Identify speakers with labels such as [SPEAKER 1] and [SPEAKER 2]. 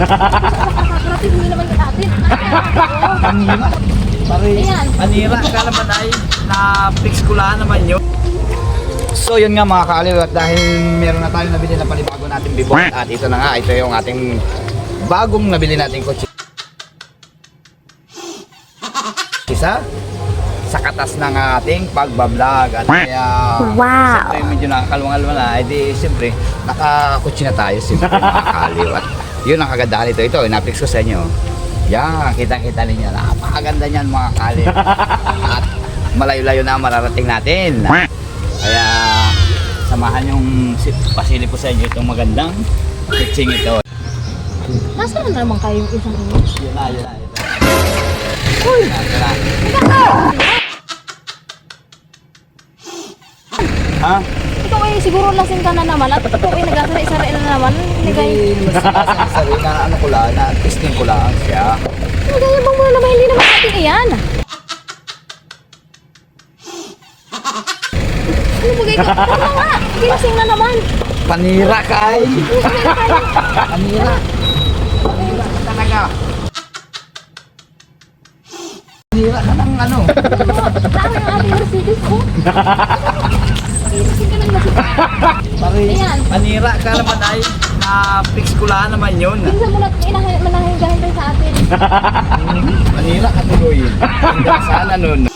[SPEAKER 1] Nakakarating hindi naman sa atin.
[SPEAKER 2] Panira. Pare,
[SPEAKER 1] Ayan.
[SPEAKER 2] panira ka naman ay na-fix ko lang naman yun. So yun nga mga kaaliw, at dahil meron na tayong nabili na panibago nating bibot, at ito na nga, ito yung ating bagong nabili nating kotse. Isa sa katas ng ating pagbablog, at kaya siyempre medyo nakakalwang-alwa na, edi siyempre nakakotse na tayo siyempre mga kaaliw. At yun ang kagandahan nito, ito na-fix ko sa inyo. Yan, kita-kita ninyo, napakaganda niyan mga kaaliw. At malayo-layo na mararating natin. Kaya samahan yung pasili po sa inyo itong magandang kutsing ito.
[SPEAKER 1] Nasaan na naman kayong isang ino?
[SPEAKER 2] Yun na, yun na.
[SPEAKER 1] Uy!
[SPEAKER 2] Ha?
[SPEAKER 1] Ikaw ay siguro lasing ka na naman at ikaw ay nagkasari-sari na naman.
[SPEAKER 2] Hindi naman sabi na ano ko lang, na testing ko lang siya.
[SPEAKER 1] Nagayabang mo na naman, hindi naman ating iyan. Ano bagay ka? Tama nga! Gilasing na naman!
[SPEAKER 2] Panira kay!
[SPEAKER 1] Gilasing na tayo!
[SPEAKER 2] Panira! Panira ka talaga! Panira ka ng ano?
[SPEAKER 1] Dami ang ating Mercedes ko. Gilasing ka ng lasing.
[SPEAKER 2] Pare,
[SPEAKER 1] Ayan.
[SPEAKER 2] panira ka naman ay na-fix ko lang naman yun.
[SPEAKER 1] Minsan mo na manahingahin tayo sa atin.
[SPEAKER 2] Panira ka tuloy. Hanggang sana nun.